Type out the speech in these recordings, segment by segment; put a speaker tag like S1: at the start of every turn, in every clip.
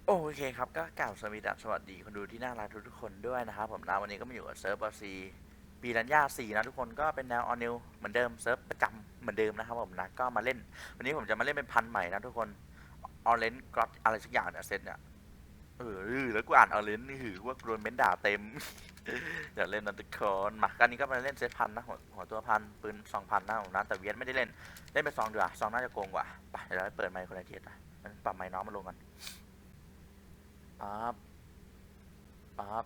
S1: โอเคครับก็กล่าวสวัสดีคนดูที่น่ารักทุกคนด้วยนะครับผมนะวันนี้ก็มาอยู่กับเซิร์ฟบอซีปีรัญญา4นะทุกคนก็เป็นแนวออนิวเหมือนเดิมเซิร์ฟประจำเหมือนเดิมนะครับผมนะก็มาเล่นวันนี้ผมจะมาเล่นเป็นพันธุ์ใหม่นะทุกคนออเรนจ์กรอตอะไรสักอย่างเนี่ยเซตเนี่ยแล้วกูอ่านออเรนจ์นี่หือว่าโดนเม้นด่าเต็มอย่าเล่นนะทุกคนมากันนี้ก็มาเล่นเซตพันนะหัวตัวพันปืน2,000นะผมนะแต่เวียนไม่ได้เล่นไปซองดีกว่าซองน่าจะโกงกว่าไปเดี๋ยวเราไปเปิดไมค์คนละเทียดนะปรับไมค์น้องมาลงกันปั๊บ ปั๊บ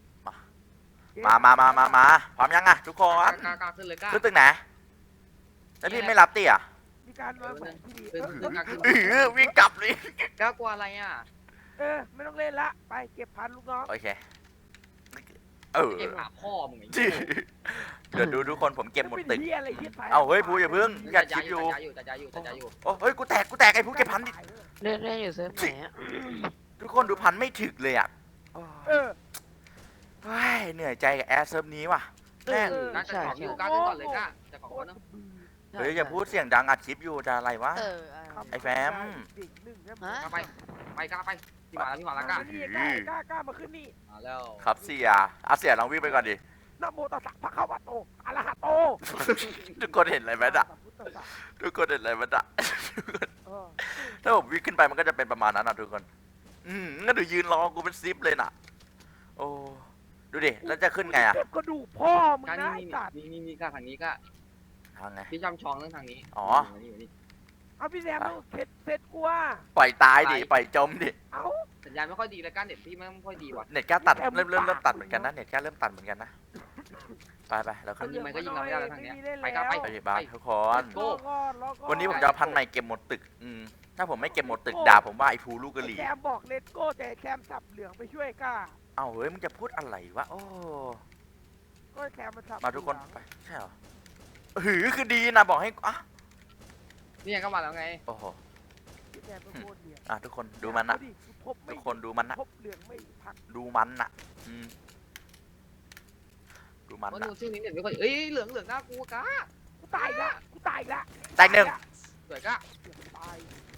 S1: มาพร้อมยังอะทุกค
S2: กล้า
S1: น
S2: กล้าขึ้นเลยกล้า
S1: ขึ้นตึกไหนแล้วพี่ไม่รับตีอ่ะ
S3: มีการวางแผนที่ดี
S2: กล้าขึ้น
S1: วิ่งกลับเลย
S2: กล้ากลัวอะไรอ่ะ
S3: ไม่ต้องเล่นละไปเก็บพันลูกน้อง
S1: โอเค
S2: เก็บหาพ่อมึงไอ้
S1: เดี๋ยวดูทุกคนผมเก็บหมดตึก
S3: เหี้ยอะไรเหี้ย
S1: เอาเฮ้ยพูอย่าเพิ่งอยาก
S2: จะ
S1: ชิปอยู่
S2: จะอยู่
S1: โอ้เฮ้ยกูแตกไอ้พูเก็บพันดิ
S4: เล่นอยู่เซิร์ฟไหนอ่ะ
S1: ทุกคนดูพันไม่ถึกเลยอ่ะ
S3: เออ
S1: เฮ้ยเหนื่อยใจกับแอร์เซิร์ฟนี้ว่ะแม่ง
S2: กล้าจะขออยู่กล้าขึ้นก่อนเลยกล้าจะขอก่อนนะ
S1: เฮ้ยอย่าพูดเสียงดังอัดคลิปอยู่จะอะไรวะ ไอ้แฟม
S3: ดิ่งหนึ่งนะ
S4: ฮะ
S2: กล้าไปกล้าไปพี่มาแล้วกล้า
S3: นี่กล้ามาขึ้นนี่
S2: มาแล้ว
S1: ครับเสียเสียลองวิ่งไปก่อนดิ
S3: นะโมตัสสะพระคะวะโตอะระหะโต
S1: ทุกคนเห็นอะไรไหมอ่ะทุกคนเห็นอะไรไหมอ่ะ ถ้าผมวิ่งขึ้นไปมันก็จะเป็นประมาณนั้นนะทุกคนงั้นดูยืนรอกูเป็นซิปเลยน่ะ โอ้ ดูดิ แล้วจะขึ้นไงอ่ะ
S3: เก็บกระดูกพ่อมึง
S2: กล้า
S3: นะ
S2: นี่
S3: สัตว์
S2: นี่กล้าทางนี้กล้า
S1: ทางไง
S2: พี่จำชองเรื่องทางนี้
S1: อ๋อ
S2: นี่
S3: เอาพี่แซมต้องเซ็ตกูว่า
S1: ปล่อยตายดิ ปล่อยจมดิ
S3: เอา
S2: สัญญาณไม่ค่อยดีแล้วกล้าเน็ตพี่ไม่ค่อยดีว่ะ
S1: เน็ตแค่ตัดเริ่มตัดเหมือนกันนะ เน็ตแค่เริ่มตัดเหมือนกันนะ ไปเราขึ้น
S2: ยิงมันก็ยิงเราไม่ได้แล้วทางเนี้ยไป
S1: ไปดิบ้านทุกคน
S2: โก้
S1: วันนี้ผมจะเอาพันใหม่เก็บหมดตึก ถ้าผมไม่เก็บหมดตึกด่าผมว่าไอ้ภูลูกกะหรี่
S3: แซมบอกเลตโก้แต่แซมสับเหลืองไปช่วยกล้า
S1: เอ้าเฮ้ยมึงจะพูดอะไรวะ โอ้
S3: ก็แซมมันสับ
S1: มาทุกคนไป ใช่เหรอคือดีนะบอกให้อ่ะ
S2: นี่ก็มาแล้วไง
S1: โอ้โห
S3: พี่แซมเป็นโคตรเหลี่ยม
S1: ทุกคนดูมันนะ ทุกคนดูมันนะ
S3: พบเหลืองไม่พัก
S1: ดูมันน่ะ ดูมัน
S2: ว่า
S1: น่ะ
S2: ดูชื่อนี้เน็ตไม่ค่อยเอ้ยเหลืองน่ากลัวกล้า
S3: กูตายละ
S1: แตกหนึ่ง
S2: สวยกล้า
S3: ตาย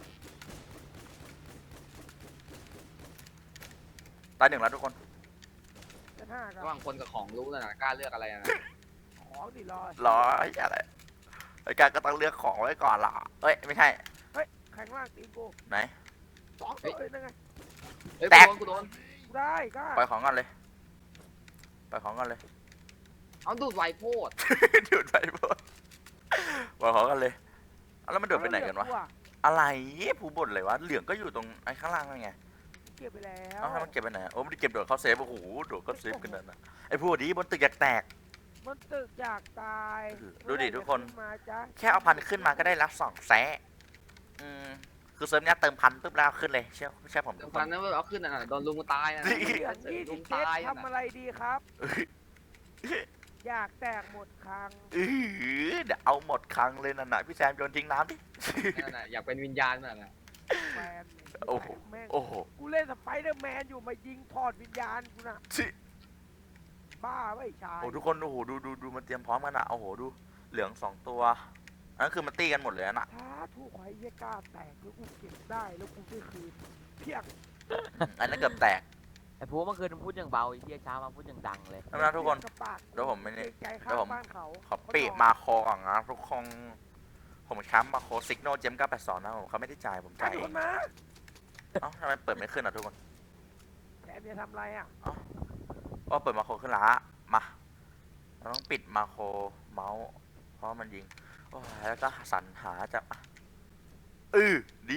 S1: ตายหนึ่งแล้วทุกคน
S3: จะห้ากั
S2: ระหว่างคนกับของรู้นะกล้าเลือกอะไรนะ
S3: ของดิรอ
S1: ร้อยอะไรไอ้การก็ต้องเลือกของไว้ก่อนล่ะเอ้ยไม่ใช่
S3: แข่งล่างตีกู
S1: ไหน
S3: 2เลยนั่นไง
S2: เฮ้ย
S1: แตก
S2: กูโดน
S3: กูได้ก็
S1: ปล่อยของก่อนเลยปล่อยของก่อนเลย
S2: เอาดูดไวโพด
S1: ดูดไปหมดปล่อยของก่อนเลยเอาแล้วมันโดดไปไหนกันวะอะไรผู้บ่นเลยวะเหลืองก็อยู่ตรงไอ้ข้างล่างนั่นไง
S3: เก็บไปแล้ว
S1: เอ้าแล้วมันเก็บไปไหนโอ้ไม่ได้เก็บโดดเข้าเซฟโอ้โหโดดเข้าเซฟกันนั่นนะไอ้พวกนี้บนตึกอยากแตก
S3: มันตึกอยากตาย
S1: ดูดิทุกคน
S3: มาจ้ะ
S1: แค่เอาพันขึ้นมาก็ได้รับ2 แสะคือเซิร์ฟเนี้ยเติมพันปุ๊บแล้วขึ้นเลยเชื่อผมทุกค
S2: พัน
S1: น
S2: นั้นเอาขึ้นอ่ะโดนลุงตายนะ
S3: เหลืองยี่
S2: ลุ
S3: สิ
S2: ง
S3: บเจ็ด
S2: ตาย
S3: ทำอะไรดีครับ อยากแตกหมดครั้ง
S1: เดี๋ยวเอาหมดครั้งเลยนั่นน่ะพี่แซมโยนทิ้งน้ำดิ
S2: อยากเป็นวิญญาณมันนะ
S3: แมน
S1: โอ้โห
S3: แม่ง
S1: โอ้โห
S3: กูเล่นสไปเดอร์แมนอยู่มายิงถอดวิญญาณกูน่ะ
S1: ชิ
S3: บ้าไม่ชาย
S1: โอ้ทุกคนโอ้โหดูมันเตรียมพร้อมกันอ่ะโอ้โหดูเหลือง2 ตัวอันนั้นคือมันตีกันหมดเลยน่ะ
S3: ถ้าถูกไว้เหี้ยกล้าแตกแล้วกูเก็บได้แล้วกูได้คืนเพียง
S1: อันนั้นเกือบแตก
S4: ไอ้พวกเมื่อคืนมันพูดอย่างเบาไอ้เหี้ยเช้ามาพูดอย่างดังเลย
S1: นะทุกคน
S3: กระปาก
S1: เดี๋ยวผมไม่ได้
S3: ใจ
S1: เดี๋ยวผม
S3: ข้างบ้านเขา
S1: ขอปิมาโคก่อนนะทุกคนผมช้ำมาโคซิกโนเจม982นะผมเขาไม่ได้จ่ายผม
S3: จ่า
S1: จ่าย ย
S3: คนมา
S1: เอ้าทำไมเปิดไม่ขึ้นอ่ะทุกคน
S3: แกจะทำอะไรอ่ะ
S1: ก็เปิดมาโคขึ้นละมาเราต้องปิดมาโคเมาส์เพราะมันยิงโอ้ยแล้วก็สรรหาจะดี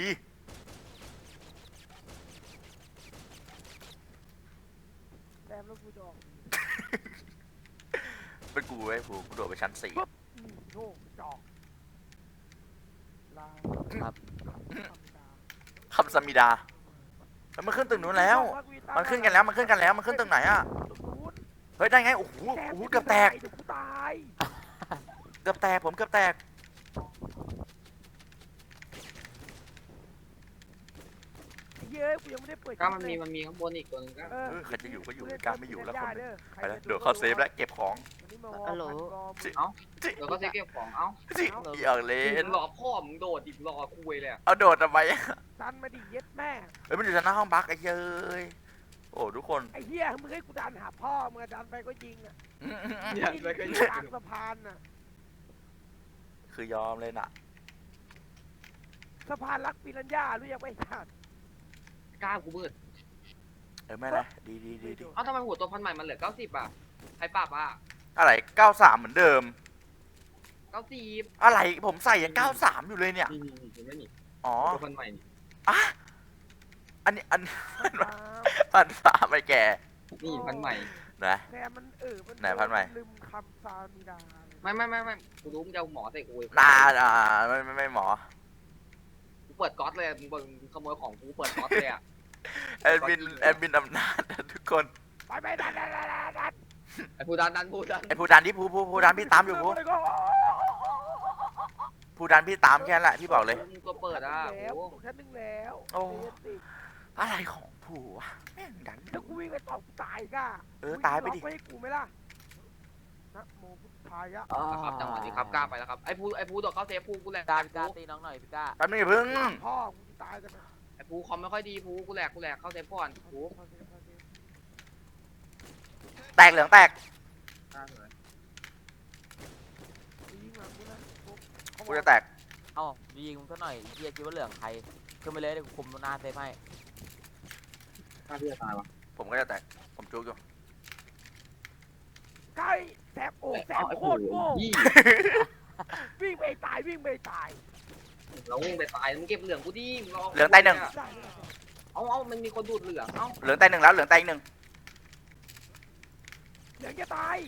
S3: แซมแล้วกูจะออก
S1: เป็นกูไอ้ผูกูโดดไปชั้น 4
S3: โง่จอกลา
S4: ครับ
S1: คำสมิดาแล้วมันขึ้นตึกนู้นแล้ว มันขึ้นกันแล้วมันขึ้นตึกไหนอ่ะเฮ้ยได้ไงโอ้โหเกือบแตก
S3: เดี๋ยวกูตาย
S1: ผมเกือบแตก
S3: ไอ้เหี้เฮ้ยกูยังไม่ได้เปิด
S2: ก็มันมีข้างบนอีกตัวนึงก็
S1: ใครจะอยู่ก็อยู่การไม่อยู่แล้วคนหนึง
S3: เด้อ
S1: ไปแล้วเดี๋ยวเข้าเซฟแล้วเก็บของ
S3: วันนี้มาวอร์มกอมึง
S2: เอ้าเดี๋ยวก็เซ็กเก็บของเอ้า
S1: จิอยากเล่
S2: มึ
S1: น
S2: งรอพ่อมึงโดดดิรอคุยเลยอะ
S1: เอาโดดทำไม
S3: ดันมาดิเย็ดแม่
S1: เฮ้ยมันอยู่ชั้นหน้าห้องบักไอ้เย้ยโอ้ทุกคน
S3: ไอ้เหี้ยมึงให้กูดันหาพ่อมึงดันไปก็ยิงอ่ะ
S2: เนี่ยเลยก็
S3: ยิงกลางสะพานอ่ะ
S1: คือยอมเลยน่ะ
S3: สะพานรักปิรัญญารู้ยังไม่ทัน
S2: กล้ากูมืด
S1: ไม่นะดี
S2: เอ้าทำไมหัวตัวพันใหม่มันเหลือ90อ่ะใครปรับอ่ะ
S1: อะไร93เหมือนเดิม
S2: 90
S1: อะไรผมใส่ยัง93อยู่เลยเนี่ย
S2: นี่เห็นไหมนี่
S1: อ๋อ
S2: ตัวพันใหม่นี่
S1: อ่ะอันนี้
S3: ครับ
S1: พันสามไปแก
S2: นี่พันใหม่
S1: นะ
S3: แซมมันมัน
S1: ไหนพันใหม่
S3: ลืมคำซามิดา
S2: ไม่กูรู้มึงจะเอาหมอใส่กู
S1: ไม่หมอ
S2: กูเปิดก๊อตเลยมึงขโมยของกูเปิดก๊อตเลยอ่ะ
S1: แอดมินอำนาจนะทุกคน
S3: ไปดัน
S2: ไอ้ผู้ดันผู้ดัน
S1: ไอ้ผู้ดันที่ผู้ดันพี่ตามอยู่ผู้ดันพี่ตามแค่นั้นแหละพี่บอกเลย
S2: มึงตัวเปิดอ่ะ
S3: แล้ว
S2: โอ้
S3: ชั้นหนึ่งแล้ว
S1: โอ้
S3: เรียนสิ
S1: อะไรของผู้วะแม่งดัน
S3: ถ้ากูวิ่งไปตอบกูตายก้า
S1: ตายไปดิ
S3: ล็อกให้กูไหมล่ะนะโมพุทธายะ
S2: ครับจังหวะนี้ครับกล้าไปแล้วครับไอ้ผู้โดดเข้าเซฟผู้กูแหลก
S4: พี่ก้าพี่ก้าตีน้องหน่อยพี่ก้า
S1: แป๊บนึงอย่าเพิ่ง
S3: พ่อกูตายจะไป
S2: ไอ้ผู้คอมไม่ค่อยดีผู้กูแหลกเข้าเซฟก่อนผู้
S1: แตกเหลืองแตก
S3: ยิงหลังกูนะ
S1: กูจะแตก
S4: เอ้ายิงมึงซะหน่อยเฮียคิดว่าเหลืองใครขึ้นไปเลยเดี๋ยวกูคุมหน้าเซฟให้
S2: น่าที่จะตายวะ
S1: ผมก็จะแตกผมจุกอยู่
S3: ใกล้แสบโอ้แสบโคตรโง่
S2: ยี่
S3: วิ่งไปตายวิ่งไปตาย
S2: เราวิ่งไปตายมึงเก็บเหลืองกูดิมึงรอ
S1: เหลืองแตกหนึ่ง
S3: ได้
S2: เอามันมีคนดูดเหลืองเอ้า
S1: เหลืองแตกหนึ่งแล้วเหลืองแตกหนึ่ง
S3: เดี๋ยวจะตาย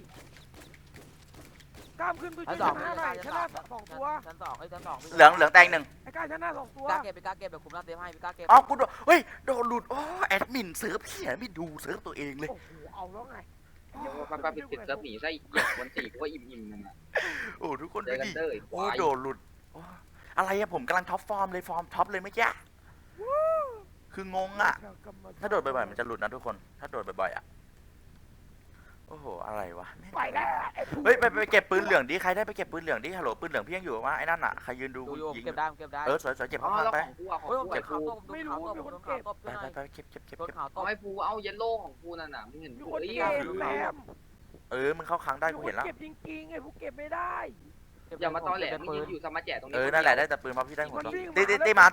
S3: กล้ามขึ้นไป
S4: ชั้น
S3: ช่วย
S4: สอง
S3: ชนะหน่อยชนะสองตัว
S4: ชั้นสองไอ้ชั้นสอง
S1: เหลืองแตกหนึ่ง
S3: ไอ้กล้าชนะสองตัว
S4: พี่ก้าเก็บพี่ก้าเก็บเดี๋ยวคุมหน้าเซฟให้พี่ก้าเก็บ
S1: อ๋อกูโดนเฮ้ยโดนหลุดอ๋อแอดมินเซิร์ฟเขียไม่ดูเซิร์ฟตัวเองเลย
S3: โอ้โหเอาแล้วไง
S2: เดี๋ยวไปปิดเซิร์ฟหนีซะอีกวัน4กูก็อิ่มนั่นน่ะ
S1: โอ้ทุกคน
S2: เจ
S1: ดู
S2: อกัน
S1: ดิ
S2: เด้อ
S1: โอ้โดนหลุดโอ้อะไรอะผมกำลังท็อปฟอร์มเลยฟอร์มท็อปเลยเมื่อกี้คืองงอะถ้าโดดบ่อยๆมันจะหลุดนะทุกคนถ้าโดดบ่อยๆอะโอ้โหอะไรวะแม่ง
S3: ไปแล้วไอ้ผู้
S1: เฮ้ยไปเก็บปืนเหลืองดิใครได้ไปเก็บปืนเหลืองดิฮัลโหลปืนเหลืองพี่ยังอยู่วะไอ้นั่นอะใครยืนดู
S4: ดูอยู่
S1: ยิง
S4: เก็บได้เก็บได้
S1: สวยๆเก็บ
S2: อ๋
S1: ข้า
S2: อง แล้ว
S1: ไป
S2: ของกูอ่ะของ
S4: โอ้ยผ
S2: กู
S4: มเก็บ
S2: ไอ้
S4: ขาว
S2: กู
S4: ต้มดูขาวต้มดูขาวต้มช่วยหน่อย
S1: ไปเก็บ
S4: ต้นขาวต้
S2: เอา
S4: ม
S2: ไอ้กูเอาเยลโล่ของกูนั่นน่ะมึงเห็น
S3: มี
S2: กู
S3: คน
S2: เอ้ย
S3: เก็บแซม
S1: มึงเข้าค้างได้กูเห็นแล้ว
S3: เก็บจริงๆไอ้ผู้เก็บไม่ได้
S2: อย่ามาตอแหลมึงยืนอยู่สมาแจตรงนี้
S1: นั่นแหละได้แต่ปืนเพราะพี่ได้หมด
S3: มันวิ่ง
S1: ตีมา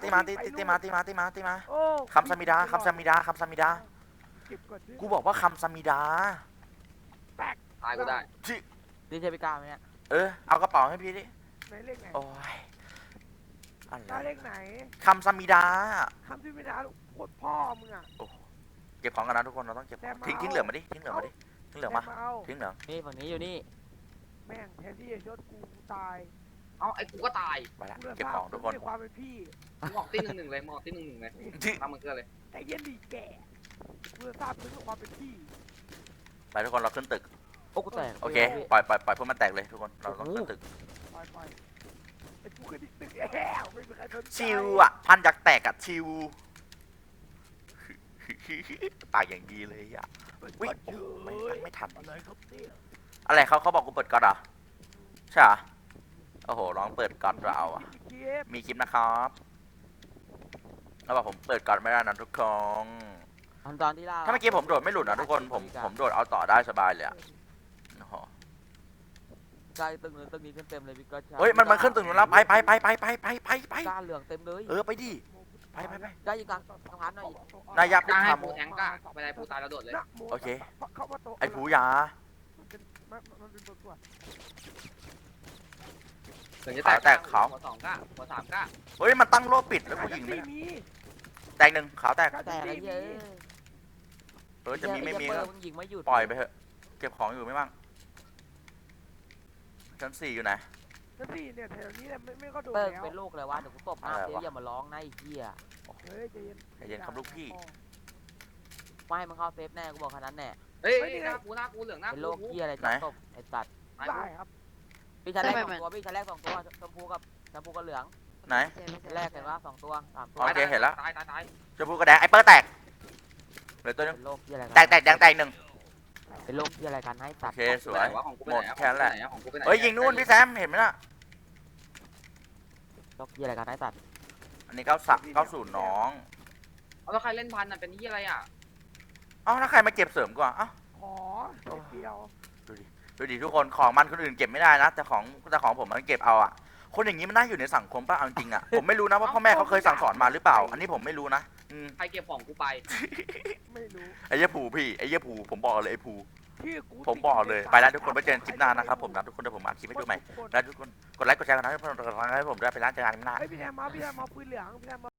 S3: โอ้
S1: คำสมิดา
S3: เก็บก่อนดิ
S1: กูบอกว่าคำสมิดา
S2: ตายก็ได้
S4: นี่ใช่พี่ก้าไหมเนี่ย
S1: เอากระเป๋าให้พี่ดิ
S3: ไหนเลขไหน
S1: โอ้ยอะ
S3: ได้
S1: ไร
S3: เลขไหน
S1: คำสมิดา
S3: คำที่ไม่ได้โคตรพ่อมึงอ่ะ
S1: เก็บของกันนะทุกคนเราต้องเก็บของทิ้งเหลืองมาดิทิ้งเหลืองมาทิ้งเหลืองมา
S3: เอา
S1: ทิ้งเหลือง
S4: นี่ฝั่งนี้อยู่นี่
S3: แม่งแทนที่จะชดกูตาย
S2: เอาไอ้กูก็ตาย
S1: ไปละ
S3: กูเลย
S1: เก็บของทุกคน
S3: ในความเป็นพี่
S2: มึงออกตี1-1เลยมึงออกตี1-1เลยตามมึงเกลือเลย
S3: แต่เย็นดีแก่กูเลยทราบถึงความเป็นพี่
S1: ไปทุกคนเราขึ้นตึก
S4: โอ้กูแตก
S1: โอเคปล่อยพวกมันแตกเลยทุกคนเราต้องขึ้นตึก
S3: ไปไอ้กูเคยดิตึกแล้วไม่มีใครสนใจ
S1: ชิวอ่ะพันจากแตกอะชิวปากอย่างดีเลยอ่ะวิ่งไม่ทัน
S3: อะไรครับเนี่ย
S1: อะไรเขาบอกกูเปิดก๊อตเหรอใช่เหรอโอ้โหร้องเปิดก๊อตเราอ่ะ
S3: เก็บ
S1: มีคลิปนะครับแล้วบอกผมเปิดก๊อตไม่ได้นะทุกคน
S4: ตอนที่ล่า
S1: ถ้าเมื่อกี้ผมโดดไม่หลุดนะทุกคนผมโดดเอาต่อได้สบายเลยอะโอ้โห
S4: ใช่ตึกนู้นตึกนี้เต็มเลยพี่ก้า
S1: เฮ้ยมันขึ้นตึกนู้นแล้วไป
S4: ก้าเหลืองเต็มเลย
S1: ไปดิไป
S4: ก้ายิงกลางทางพันหน่อย
S1: นายยับ
S2: กล้าให้
S1: ทำ
S2: กูแทงกล้าไปได้กูตายแล้วโดดเลย
S1: โอเค
S3: เข้ามาโต๊ะ
S1: ไอ้ผูยา
S3: มันเป็นตัวตัว
S2: ถึงจะแตกหัว2กล้าหัว3กล้า
S1: เฮ้ยมันตั้งโล่ปิดแล้วกูยิงไม่
S3: ไม่
S1: ได้
S3: มี
S1: แตกหนึ่งขาวแตก
S4: แต่อะไรเยอะ
S1: จะมีไม่มี
S4: มึงยิงไม่หยุด
S1: ปล่อยไปเถอะเก็บของอยู่ไม่บ้างชั้น4อยู่ไหน
S3: นั่นสิเนี่ยแถวนี้ไม่ก็โดน
S4: เปิก
S3: แล้ว
S4: เป็นลูกเลยวะเดี๋ยวกูตบหน้าเสียอย่ามาร้องนะไอ้เหี้ย
S3: เฮ้ยใจเย็น
S1: ใจเย็นครับลูกพี่
S4: ไม่ให้มึงเข้าเซฟแน่กูบอกขนาดนั้นแน่
S2: เฮ้ยหน้ากูเหลืองหน้า
S4: เป็น
S2: กู
S4: โรคเหี้ยอะไรจะตบไอ้สัตว์
S3: ได้ครับ
S4: พี่ชั้นแรก2ตัวพี่ชั้นแรก2ตัวชมพูกับเหลือง
S1: ไหน
S4: แรกเห็นว่า2 ตัว 3 ตัว
S1: โอเคเห็นแล้ว
S2: ตายตายตาย
S1: ชมพูกระแดงไอ้เปิ้ลแตกเหลือตัวนึง
S4: เป็นโรคที่อะไร
S1: แตกแดงแตกหนึ่ง
S4: เป็นโรคที่อะไรกันให้ตัด
S1: โอเคสวย
S2: ของกูไป
S1: หมด
S2: ไหน
S1: แค่นั้นแหละ
S2: ของกูไปไหน
S1: เฮ้ยยิงนู่นพี่แซมเห็นไหมล่ะ
S4: โรคที่อะไรกันให้ตัด
S1: อันนี้90น้อง
S2: เอาแล้วใครเล่นพันอ่ะเป็นที่อะไรอ่ะ
S1: เอ้าแล้วใครมาเก็บเสริมก่อนเอ้า
S3: ขอเดียว
S1: ดูดิทุกคนของมันคนอื่นเก็บไม่ได้นะแต่ของผมมันเก็บเอาอะคนอย่างนี้มันน่าอยู่ในสังคมป่ะเอาจริงอะผมไม่รู้นะว่าพ่อแม่เขาเคยสั่งสอนมาหรือเปล่า อันนี้ผมไม่รู้นะ
S2: ใครเก็บของกูไป
S3: ไม่รู้
S1: ไอ้เหี้ยผูพี่ไอ้เหี้ยผูผมบอกเลยไอ้ผู
S3: ชื่อกู
S1: ผมบอกเลยไปแล้วทุกคนไปเจอกันคลิปหน้านะครับผมนะทุกคนเดี๋ยวผมอ่านคลิปให้ดูใหม่แล้วทุกคนกดไลค์กดแชร์กันนะให้ผมด้วยไปร้านเจอกันคลิปหน้า
S3: พี่แซมมาปืนเหลืองพี่แซมมา